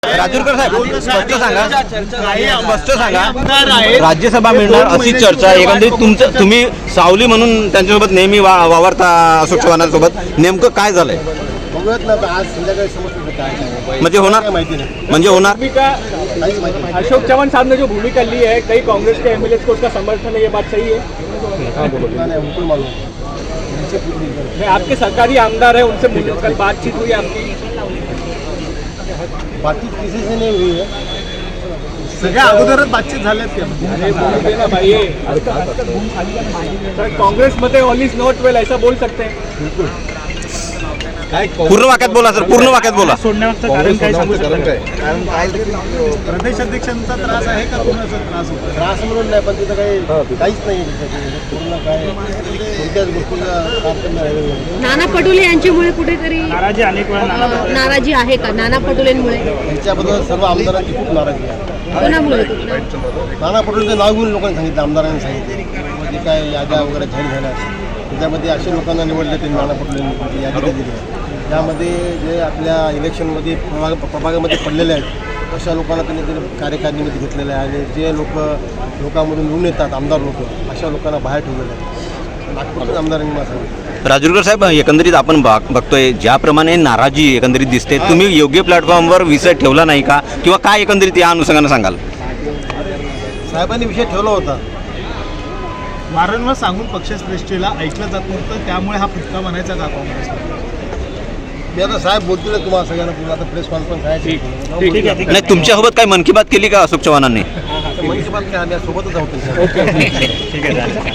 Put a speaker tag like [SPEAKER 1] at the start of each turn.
[SPEAKER 1] राजूरकर साहेब स्पष्ट सांगा राज्यसभा मिळणार अशी चर्चा एकंदरीत तुम्ही सावली म्हणून त्यांच्यासोबत नेहमी वावरता अशोक चव्हाणांसोबत नेमकं काय झालंय
[SPEAKER 2] बघूयात ना आज संध्याकाळी समजतं काय
[SPEAKER 1] म्हणजे होणार
[SPEAKER 2] माहिती नाही
[SPEAKER 1] म्हणजे होणार
[SPEAKER 3] अशोक चव्हाण साहब ने जो भूमिका ली है कई कांग्रेस के एमएलए को उसका समर्थन है, ये बात सही है?
[SPEAKER 2] उनको मालूम
[SPEAKER 3] नहीं, आपके सरकारी आमदार है, उनसे कल बातचीत हुई आपकी?
[SPEAKER 2] बातचीत किसी से नहीं हुई है, सगळ्या अगोदरच बातचीत झाल्यात
[SPEAKER 3] सर कांग्रेस मध्ये ऑल इज नॉट वेल ऐसा बोल सकते हैं?
[SPEAKER 1] पूर्ण वाक्यात बोला सर, पूर्ण वाक्यात बोला.
[SPEAKER 2] कारण काय प्रदेश अध्यक्षांचा त्रास आहे का कोणाचा त्रास होतो? त्रास म्हणून नाही, पण तिथं काहीच नाही पूर्ण काय कोणत्याच गोष्टीचा त्रास करणार आहे.
[SPEAKER 4] नाना पटोले यांच्यामुळे कुठेतरी नाराजी आहे का? नाना पटोलेंमुळे
[SPEAKER 2] त्यांच्याबद्दल सर्व आमदारांची खूप नाराजी आहे.
[SPEAKER 4] कोणामुळे?
[SPEAKER 2] नाना पटोलेंचं नाव घेऊन लोकांनी सांगितलं, आमदारांनी सांगितले म्हणजे काय याद्या वगैरे जाहीर झाल्या त्याच्यामध्ये अशा लोकांना निवडले ते नाना पटोलेंनी यादी दिली. त्यामध्ये जे आपल्या इलेक्शनमध्ये प्रभागामध्ये पडलेले आहेत अशा लोकांना त्यांनी कार्यकारिणीमध्ये घेतलेलं आहे आणि जे लोकांमधून निवडून येतात आमदार लोक अशा लोकांना बाहेर ठेवलेलं आहे. नागपूरच्या आमदारांनी मला सांगितलं.
[SPEAKER 1] राजूरकर साहेब एकंदरीत आपण बघतोय ज्याप्रमाणे नाराजी एकंदरीत दिसते, तुम्ही योग्य प्लॅटफॉर्मवर विषय ठेवला नाही का किंवा काय एकंदरीत या अनुषंगानं सांगाल?
[SPEAKER 2] साहेबांनी विषय ठेवला होता,
[SPEAKER 5] वारंवार सांगून पक्षश्रेष्ठीला ऐकलं जात नव्हतं, त्यामुळे हा फुटका म्हणायचा का काँग्रेसला?
[SPEAKER 2] मी आता साहेब बोलतील तुम्हाला सगळ्यांना आता प्रेस कॉन्फरन्स आहे.
[SPEAKER 1] नाही तुमच्यासोबत काय मन की बात केली का अशोक चव्हाणांनी?
[SPEAKER 2] मन की बात काय आम्ही सोबतच आहोत.